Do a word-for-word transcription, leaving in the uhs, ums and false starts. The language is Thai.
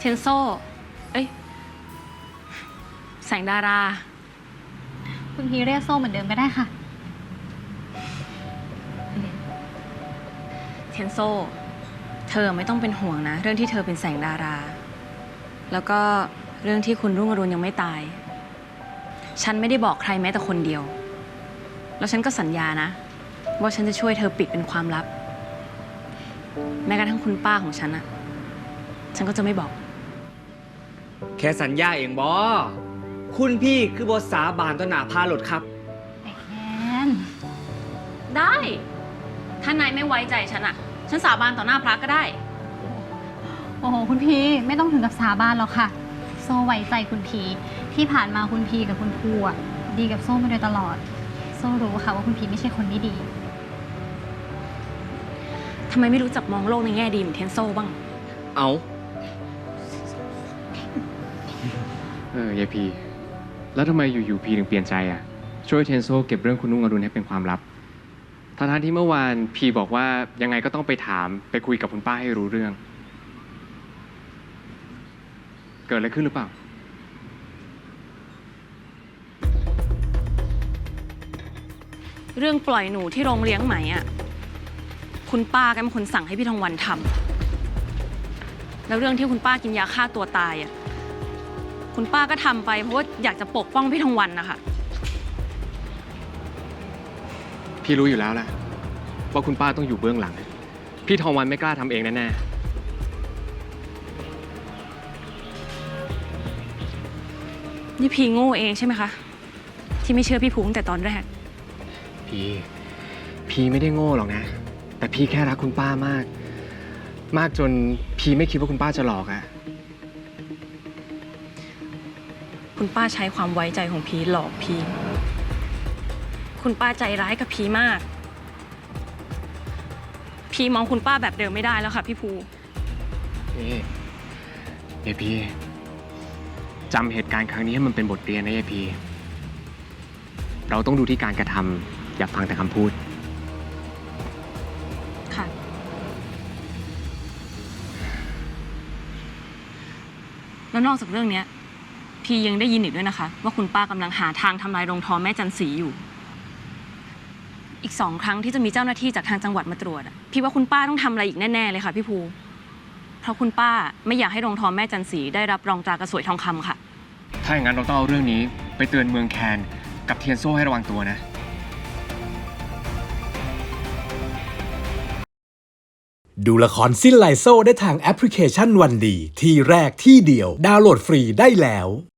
นโซเอ้ยแสงดาราคุณพีเรียกโซ่เหมือนเดิมก็ได้ค่ะเทนโซเธอไม่ต้องเป็นห่วงนะเรื่องที่เธอเป็นแสงดารา แล้วก็เรื่องที่คุณรุ่งอรุณยังไม่ตายฉันไม่ได้บอกใครแม้แต่คนเดียวแล้วฉันก็สัญญานะว่าฉันจะช่วยเธอปิดเป็นความลับแม้กระทั่งคุณป้าของฉันอะฉันก็จะไม่บอกแค่สัญญาเองบอคุณพี่คือบทสาบานต้นหนาพาหลดครับแอนได้ถ้านายไม่ไว้ใจฉันอะฉันสาบานต่อหน้าพระก็ได้โอ้โหคุณพีไม่ต้องถึงกับสาบานหรอกค่ะโซ่ไว้ใจคุณพีที่ผ่านมาคุณพีกับคุณครูอะดีกับโซ่มาโดยตลอดโซ่รู้ค่ะว่าคุณพีไม่ใช่คนไม่ดีทำไมไม่รู้จักมองโลกในแง่ดีเหมือนเทนโซบ้างเอาเออยายพีแล้วทำไมอยู่ๆพีถึงเปลี่ยนใจอ่ะช่วยเทนโซเก็บเรื่องคุณนุ่งอรุณให้เป็นความลับทั้งที่เมื่อวานพีบอกว่ายังไงก็ต้องไปถามไปคุยกับคุณป้าให้รู้เรื่องเกิดอะไรขึ้นหรือเปล่าเรื่องปล่อยหนูที่โรงเลี้ยงไหมอ่ะคุณป้าก็เป็นคนสั่งให้พี่ทองวันทำแล้วเรื่องที่คุณป้ากินยาฆ่าตัวตายอ่ะคุณป้าก็ทำไปเพราะว่าอยากจะปกป้องพี่ทองวันนะคะพี่รู้อยู่แล้วแหละว่าคุณป้าต้องอยู่เบื้องหลังพี่ทองวันไม่กล้าทำเองแน่ๆนี่พี่โง่เองใช่ไหมคะที่ไม่เชื่อพี่ภูตั้งแต่ตอนแรกพี่พี่ไม่ได้โง่หรอกนะแต่พี่แค่รักคุณป้ามากมากจนพี่ไม่คิดว่าคุณป้าจะหลอกอะคุณป้าใช้ความไว้ใจของพี่หลอกพี่คุณป้าใจร้ายกับพี่มากพี่มองคุณป้าแบบเดิมไม่ได้แล้วค่ะพี่ภูนี่ยายพีจำเหตุการณ์ครั้งนี้ให้มันเป็นบทเรียนนะยายพีเราต้องดูที่การกระทำอย่าฟังแต่คำพูดค่ะแล้วนอกจากเรื่องนี้พี่ยังได้ยินอีกด้วยนะคะว่าคุณป้ากำลังหาทางทำลายโรงทอแม่จันสีอยู่อีกสองครั้งที่จะมีเจ้าหน้าที่จากทางจังหวัดมาตรวจพี่ว่าคุณป้าต้องทำอะไรอีกแน่ๆเลยค่ะพี่ภูเพราะคุณป้าไม่อยากให้โรงทอแม่จันสีได้รับรองตรากระสวยทองคำค่ะถ้าอย่างนั้นเราต้องเอาเรื่องนี้ไปเตือนเมืองแคนกับเทียนโซ่ให้ระวังตัวนะดูละครสิ้นไลโซ่ได้ทางแอปพลิเคชันวันดีที่แรกที่เดียวดาวน์โหลดฟรีได้แล้ว